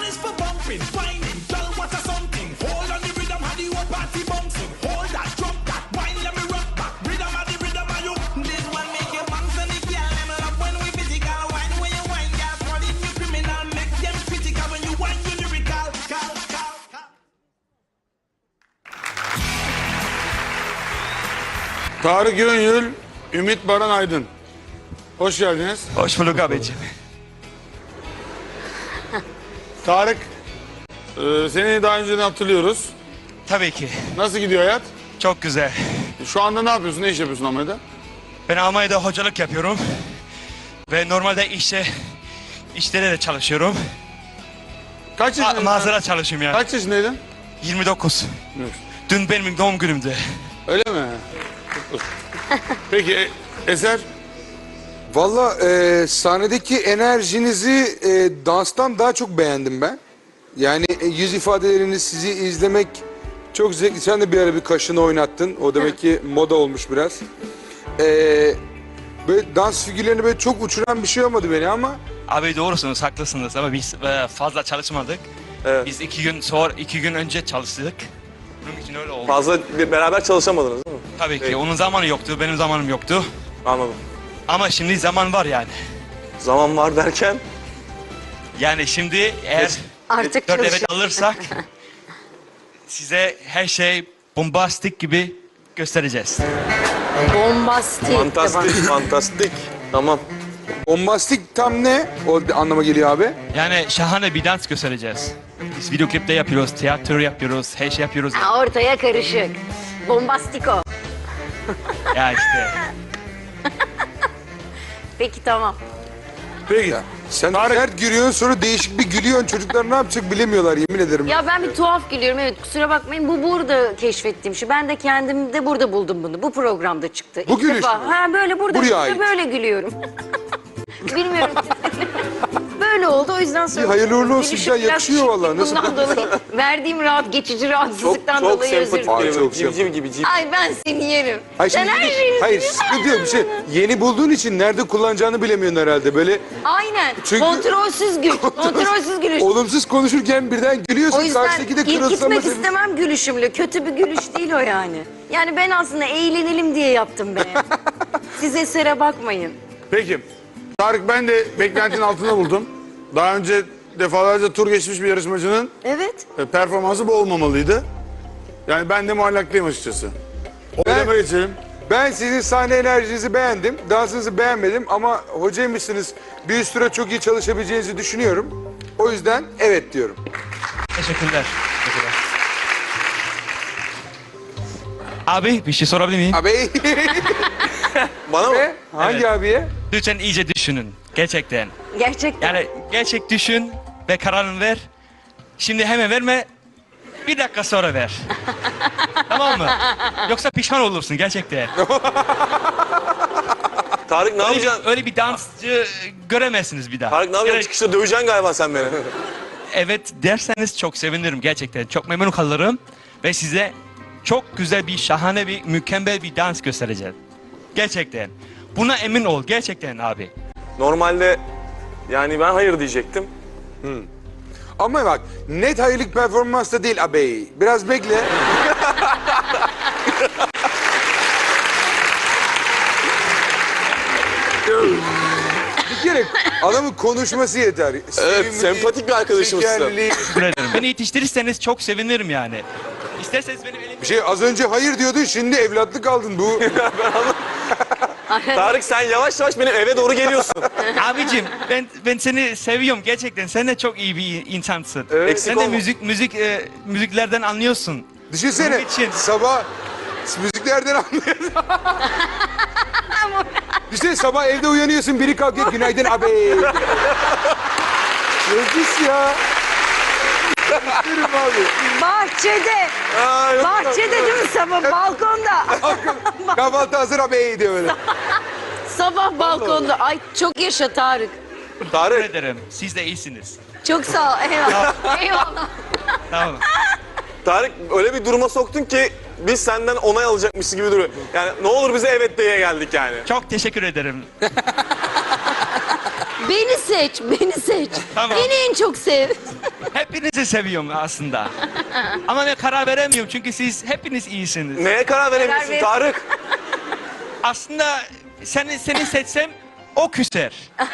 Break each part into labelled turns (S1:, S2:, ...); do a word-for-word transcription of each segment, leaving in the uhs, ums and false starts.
S1: is for bumping, whining, girl, what a something. Hold on the rhythm, how the whole party bouncing. Hold that, drop that, wine, let me rock back. Rhythm, how the rhythm, how you. This one make you bounce and the girl, them love when we physical. Wine when you wine, girl, calling you criminal. Make them critical when you wine, you lyrical. Cal, cal, cal.
S2: Tarık Yönyül, Ümit Baran Aydın. Hoş geldiniz.
S3: Hoş bulduk abiciğim.
S2: Tarık, e, seni daha önceden hatırlıyoruz.
S3: Tabii ki.
S2: Nasıl gidiyor hayat?
S3: Çok güzel.
S2: Şu anda ne yapıyorsun? Ne iş yapıyorsun Almanya'da?
S3: Ben Almanya'da hocalık yapıyorum. Ve normalde işte işlere de çalışıyorum.
S2: Kaç
S3: Ma
S2: yaşındaydın?
S3: mağazada çalışıyorum yani.
S2: Kaç yaşındaydın?
S3: yirmi dokuz.
S2: Evet.
S3: Dün benim doğum günümdü.
S2: Öyle mi? Peki e, Eser?
S4: Valla e, sahnedeki enerjinizi e, danstan daha çok beğendim ben. Yani e, yüz ifadeleriniz, sizi izlemek çok zevkli. Sen de bir ara bir kaşını oynattın. O demek ki moda olmuş biraz. E, böyle dans figürlerini böyle çok uçuran bir şey olmadı beni ama...
S3: Abi doğrusunuz, haklısınız ama biz e, fazla çalışmadık.
S5: Evet.
S3: Biz iki gün sonra, iki gün önce çalıştık. Bunun için öyle oldu.
S5: Fazla bir- beraber çalışamadınız değil mi?
S3: Tabii ki.
S5: Evet.
S3: Onun zamanı yoktu, benim zamanım yoktu.
S5: Anladım.
S3: Ama şimdi zaman var yani.
S5: Zaman var derken
S3: Yani şimdi eğer
S6: Artık
S3: dört evet
S6: çalışıyor.
S3: alırsak size her şey bombastik gibi göstereceğiz.
S6: Bombastik. de
S5: fantastik, fantastik. Tamam.
S4: Bombastik tam ne? O anlama geliyor abi.
S3: Yani şahane bir dans göstereceğiz. Biz video klipte yapıyoruz, tiyatro yapıyoruz, her şey yapıyoruz.
S6: bana. Ha, ortaya karışık. Bombastiko.
S3: Ya işte.
S6: Peki tamam.
S2: Peki.
S4: Sen
S2: Tarık-
S4: sert gülüyorsun sonra değişik bir gülüyorsun. Çocuklar ne yapacak bilemiyorlar yemin ederim.
S6: Ya ben bir tuhaf gülüyorum. Evet kusura bakmayın. Bu burada keşfettiğim şey. Ben de kendimde burada buldum bunu. Bu programda çıktı.
S4: Bu
S6: İlk
S4: gülüş
S6: defa.
S4: mü?
S6: Ha böyle burada
S4: Buraya
S6: çıktı,
S4: ait.
S6: böyle gülüyorum. Bilmiyorum. Böyle oldu o yüzden sonra.
S4: İyi, hayırlı uğurlu olsun.
S6: Gülüşüm
S4: Ya,
S6: biraz
S4: yakışıyor vallahi. Nasıl-
S6: Bundan dolayı verdiğim rahat geçici
S5: Çok
S6: rahatsızlıktan
S5: çok
S6: dolayı özür
S5: sempatik.
S6: dilerim.
S4: Ay,
S5: Ay,
S4: çok
S5: civciv gibi civ.
S6: Ay ben seni yerim.
S4: Hayır,
S6: Sen
S4: şimdi
S6: her
S4: yeni-
S6: şeyi
S4: hayır sıkıntı yok bir şey. Yeni bulduğun için nerede kullanacağını bilemiyorsun herhalde. Böyle
S6: Aynen.
S4: Çünkü-
S6: Kontrolsüz gül. Kontrolsüz gülüş.
S4: olumsuz konuşurken birden
S6: O
S4: gülüyorsun.
S6: yüzden
S4: Karşıdaki de
S6: ilk gitmek
S4: kırılsama.
S6: istemem gülüşümle. Kötü bir gülüş değil o yani. Yani ben aslında eğlenelim diye yaptım be. Siz esere bakmayın.
S2: Peki. Tarık, ben de beklentinin altında buldum. Daha önce defalarca tur geçmiş bir yarışmacının
S6: Evet.
S2: e, performansı bu olmamalıydı. Yani ben de muallaklıyım açıkçası. Oylama geçelim.
S4: Ben sizin sahne enerjinizi beğendim. Dansınızı beğenmedim ama hocaymışsınız. Bir üst süre çok iyi çalışabileceğinizi düşünüyorum. O yüzden evet diyorum.
S3: Teşekkürler. Teşekkürler. Abi bir şey sorabilir miyim?
S4: Abi
S5: Bana mı?
S4: Ve hangi
S3: Evet.
S4: abiye?
S3: Lütfen iyice düşünün. Gerçekten.
S6: Gerçekten.
S3: Yani gerçek düşün ve kararını ver. Şimdi hemen verme. Bir dakika sonra ver. Tamam mı? Yoksa pişman olursun gerçekten.
S5: Tarık ne
S3: Öyle bir,
S5: yapacaksın?
S3: öyle bir dansçı göremezsiniz bir daha.
S5: Tarık ne yapacaksın?
S3: Yani
S5: Çıkışta döveceksin galiba sen beni.
S3: evet derseniz çok sevinirim gerçekten. Çok memnun kalırım. Ve size çok güzel bir, şahane bir, mükemmel bir dans göstereceğim. Gerçekten. Buna emin ol gerçekten abi.
S5: Normalde yani ben hayır diyecektim.
S4: Ama bak net hayırlık performans da değil abi. Biraz bekle. Bir kere adamın konuşması yeter. Sevimli,
S5: sempatik bir arkadaşımızsın.
S4: şekerli.
S3: Teşekkür ederim. Beni yetiştirirseniz çok sevinirim yani. İsterseniz benim elim...
S4: Bir şey az önce hayır diyordun şimdi evlatlık aldın bu.
S5: Tarık sen yavaş yavaş benim eve doğru geliyorsun.
S3: Abicim ben ben seni seviyorum gerçekten. Sen de çok iyi bir insansın.
S5: Eksik
S3: Sen de
S5: olma.
S3: müzik müzik e, müziklerden anlıyorsun.
S4: Düşünsene
S3: Bunun için-
S4: sabah müziklerden anlıyorsun. Düşünsene sabah evde uyanıyorsun biri kalkıyor günaydın abi. Nefis ya. Yürüm abi.
S6: Bahçede.
S5: Aa, yok.
S6: Bahçede değil mi sabah? Balkonda.
S4: Kahvaltı hazır abi diyor böyle.
S6: Sabah balkonda. Ay çok yaşa Tarık.
S3: Teşekkür
S5: Tarık
S3: ederim. Siz de iyisiniz.
S6: Çok sağ ol. Eyvallah. Eyvallah.
S3: Tamam.
S5: Tarık öyle bir duruma soktun ki biz senden onay alacakmışız gibi duruyor. Yani ne olur bize evet diye geldik yani.
S3: Çok teşekkür ederim.
S6: Beni seç. Beni seç.
S3: Tamam.
S6: Beni en çok sev.
S3: Hepinizi seviyorum aslında. Ama ben karar veremiyorum çünkü siz hepiniz iyisiniz.
S5: Neye karar veremiyorsun
S6: ver.
S5: Tarık?
S3: Aslında seni seni seçsem o küser.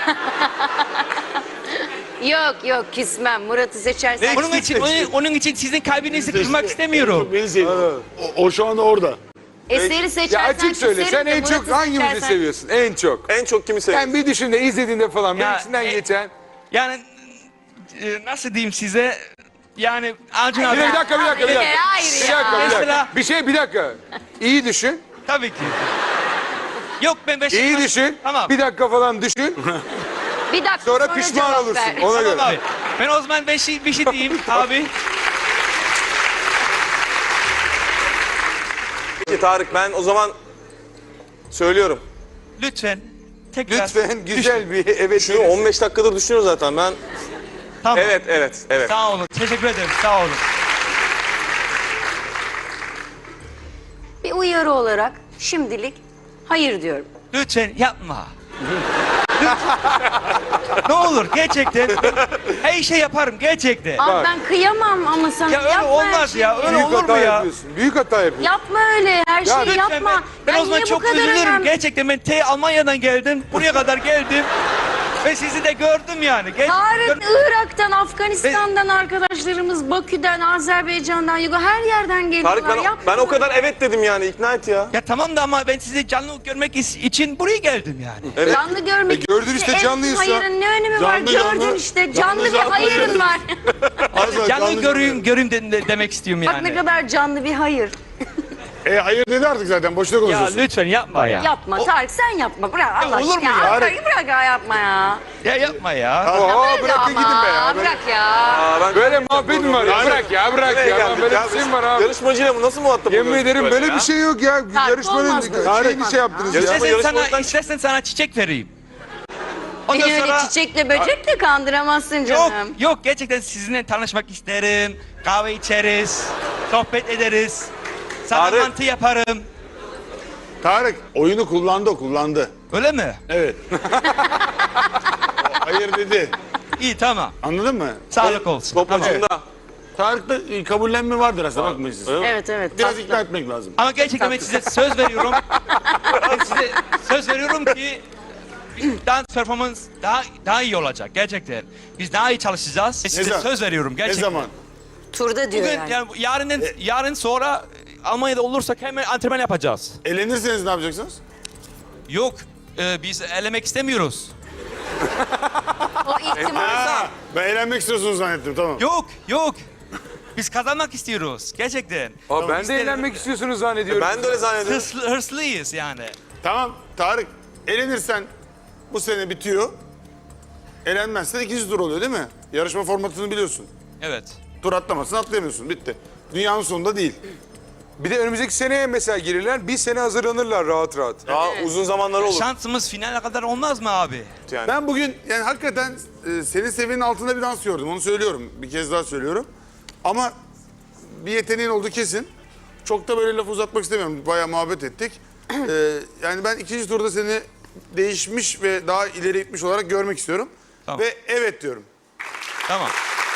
S6: Yok yok küsmem. Murat'ı seçersen.
S3: Onun için onun, onun için sizin kalbinizi kırmak istemiyorum.
S2: Beni seviyor. O, o şu anda orada.
S6: Eseri seçersen
S4: Ya açık söyle,
S6: küserim
S4: sen
S6: de
S4: en çok
S6: Murat'ı
S4: hangimizi
S6: seçersen-
S4: seviyorsun? En çok.
S5: En çok kimi seviyorsun?
S4: Yani bir düşün de izlediğinde falan,
S3: Ya,
S4: içinden
S3: e-
S4: geçen.
S3: Yani e, nasıl diyeyim size? Yani Acun abi.
S4: Bir dakika, bir dakika, bir dakika.
S6: Hayır
S4: Bir
S6: ya.
S4: dakika, bir dakika.
S3: Mesela-
S4: Bir şey, bir dakika. İyi düşün,
S3: Tabii ki. Yok ben Beşiktaş.
S4: iyi düşün.
S3: Tamam.
S4: Bir dakika falan düşün.
S6: Bir dakika
S4: Sonra pişman
S6: cevap
S4: olursun.
S6: ver.
S4: Ona göre.
S3: Tamam abi. Ben o zaman bir şey, bir şey diyeyim abi.
S5: Peki Tarık, ben o zaman söylüyorum.
S3: Lütfen. Tekrar.
S4: Lütfen güzel bir evet.
S5: Şunu on beş dakikadır düşünüyorum zaten ben.
S3: Tamam.
S5: Evet, evet, evet.
S3: Sağ olun. Teşekkür ederim. Sağ olun.
S6: Bir uyarı olarak şimdilik hayır diyorum.
S3: Lütfen yapma. Lütfen. Ne olur gerçekten. Her şey yaparım gerçekten.
S6: Abi ben kıyamam ama sana
S3: Ya öyle
S6: yapma her
S3: olmaz
S6: şeyi.
S3: ya. Öyle
S4: Büyük
S3: olur mu
S4: hata
S3: ya?
S4: yapıyorsun. Büyük hata yapıyorsun.
S6: Yapma öyle her şeyi
S3: Lütfen
S6: yapma.
S3: ben, ben o zaman
S6: niye bu
S3: çok
S6: kadar
S3: üzülürüm.
S6: önem-
S3: Gerçekten ben T Almanya'dan geldim. Buraya kadar geldim. Ve sizi de gördüm yani. Ger-
S6: Tarık Irak'tan, Afganistan'dan arkadaşlarımız, Bakü'den, Azerbaycan'dan, Yugo her yerden geliyorlar.
S5: Tarık ben,
S6: Yapma
S5: ben o kadar
S6: böyle.
S5: evet dedim yani, ikna et ya.
S3: Ya tamam da ama ben sizi canlı görmek is- için buraya geldim yani.
S5: Evet.
S6: Canlı görmek.
S4: E gördün işte,
S6: en
S4: canlıysa.
S6: Hayırın ne önemi var?
S2: Canlı,
S6: Gördün
S2: canlı.
S6: işte. Canlı,
S2: Canlı,
S6: bir
S2: canlı
S6: hayırın
S2: gördüm.
S6: var.
S2: Az
S3: Canlı göreyim, göreyim de, de- demek istiyorum
S6: Bak ne
S3: yani.
S6: kadar canlı bir hayır.
S2: E hayır dedi artık zaten. Boşuna
S3: Ya
S2: konuşuyorsun.
S3: lütfen yapma ya.
S6: Yapma Tarık sen yapma. Bırak Allah
S3: olur mu
S6: aşkına.
S3: ya?
S6: Tarık bırak ya yapma ya.
S3: Ya yapma ya.
S4: Aa,
S6: Böyle
S4: bırakın
S6: ama,
S4: gidin be ya.
S6: Bırak ya.
S5: Aa, ben
S4: Böyle muhabbet mi var ya?
S5: Yani-
S4: Bırak ya, bırak
S5: Nereye
S4: ya. Lan
S5: geldik
S4: böyle
S5: ya
S4: bir şey
S5: biz?
S4: mi var abi?
S5: Yarışmacıyla mı nasıl muhatap
S4: Yemin
S5: oluyoruz
S4: ederim böyle
S5: ya?
S4: bir şey yok ya.
S6: Tarık,
S4: Yarışmanın
S6: olmaz böyle.
S4: şeyini şey yaptınız ya.
S5: Yarışma-
S3: İstersen sana,
S5: yarışmadan-
S3: istersen sana çiçek vereyim. Ondan
S6: Beni öyle
S3: sonra...
S6: çiçekle böcekle kandıramazsın
S3: Yok,
S6: canım.
S3: yok gerçekten sizinle tanışmak isterim. Kahve içeriz, sohbet ederiz. Sana
S5: Tarık.
S3: mantı yaparım.
S2: Tarık oyunu kullandı o kullandı.
S3: Öyle mi?
S2: Evet. O hayır dedi.
S3: İyi tamam.
S2: Anladın mı?
S3: Sağlık olsun.
S5: Top
S3: Tamam.
S5: ucunda.
S2: Tarık'ta e, kabullenme vardır aslında, bakmayın siz.
S6: Evet evet.
S2: Biraz
S6: tatlı.
S2: ikna etmek lazım.
S3: Ama gerçekten ben size söz veriyorum. Ben size söz veriyorum ki dans performans daha daha iyi olacak gerçekten. Biz daha iyi çalışacağız. Size
S2: zaman?
S3: söz veriyorum
S2: Ne
S3: gerçekten.
S2: zaman?
S6: Turda diyor
S3: Bugün
S6: yani.
S3: yani yarından yarın sonra Almanya'da olursak hemen antrenman yapacağız.
S2: Elenirseniz ne yapacaksınız?
S3: Yok, e, biz elemek istemiyoruz.
S6: O ihtimal.
S2: Ha, ben eğlenmek istiyorsunuz zannettim, tamam.
S3: Yok, yok. Biz kazanmak istiyoruz gerçekten.
S4: Aa, ben
S3: Biz
S4: de eğlenmek istiyorsunuz zannediyorum.
S5: Ben de öyle zannediyorum.
S3: Hırslı, hırslıyız yani.
S2: Tamam Tarık, elenirsen bu sene bitiyor. Elenmezsen ikinci tur oluyor değil mi? Yarışma formatını biliyorsun.
S3: Evet.
S2: Tur atlamazsın, atlayamıyorsun, bitti. Dünyanın sonunda değil.
S4: Bir de önümüzdeki seneye mesela girirler. Bir sene hazırlanırlar rahat rahat.
S5: Daha uzun zamanları olur.
S3: Şansımız finale kadar olmaz mı abi?
S5: Yani.
S2: Ben bugün yani hakikaten e, senin seviyenin altında bir dans gördüm, onu söylüyorum. Bir kez daha söylüyorum. Ama bir yeteneğin olduğu kesin. Çok da böyle laf uzatmak istemiyorum. Bayağı muhabbet ettik. Ee, yani ben ikinci turda seni değişmiş ve daha ileri gitmiş olarak görmek istiyorum.
S3: Tamam.
S2: Ve evet diyorum.
S3: Tamam.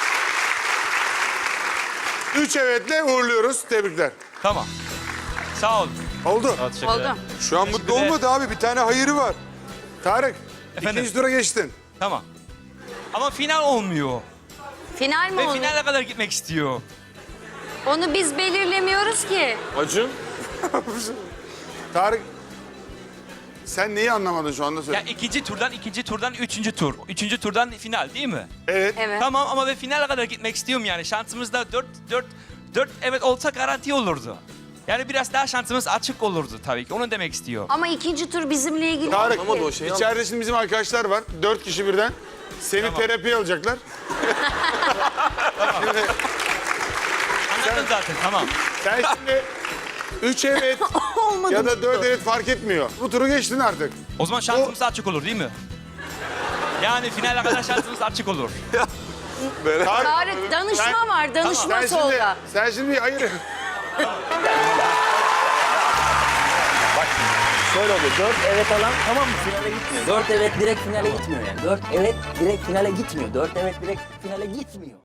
S2: Üç evetle uğurluyoruz. Tebrikler.
S3: Tamam. Sağ ol.
S2: Oldu.
S6: Oldu.
S4: Şu an mutlu olmadı abi. Bir tane hayırı var.
S2: Tarık,
S3: Efendim?
S2: ikinci tura geçtin.
S3: Tamam. Ama final olmuyor.
S6: Final mi
S3: Ve
S6: olur?
S3: finale kadar gitmek istiyor.
S6: Onu biz belirlemiyoruz ki.
S5: Acun.
S2: Tarık, sen neyi anlamadın şu anda söyle.
S3: Ya ikinci turdan ikinci turdan üçüncü tur. Üçüncü turdan final değil mi?
S2: Evet.
S6: Evet.
S3: Tamam ama ve finale kadar gitmek istiyorum yani. Şansımız da dört, dört, dört evet olsa garanti olurdu. Yani biraz daha şansımız açık olurdu tabii ki. Onu demek istiyor.
S6: Ama ikinci tur bizimle ilgili
S2: Tarık,
S6: değil
S5: Anlamadı o
S6: ki.
S5: şeyi.
S2: içeride şimdi bizim arkadaşlar var. Dört kişi birden. Seni terapiye alacaklar. Şimdi
S3: Anladın zaten tamam.
S2: sen şimdi üç evet
S6: Olmadı.
S2: ya da dört evet fark etmiyor. Bu turu geçtin artık.
S3: O zaman şansımız açık olur değil mi? Yani finale kadar şansımız açık olur.
S2: Tarık,
S6: Tarık danışma
S2: Sen-
S6: var. Danışma
S2: sen şimdi,
S6: solda.
S2: sen şimdi hayır.
S7: Şöyle oluyor. Dört evet alan tamam mı finale gitmiyor. Dört evet direkt finale gitmiyor yani. Dört evet direkt finale gitmiyor. Dört evet direkt finale gitmiyor.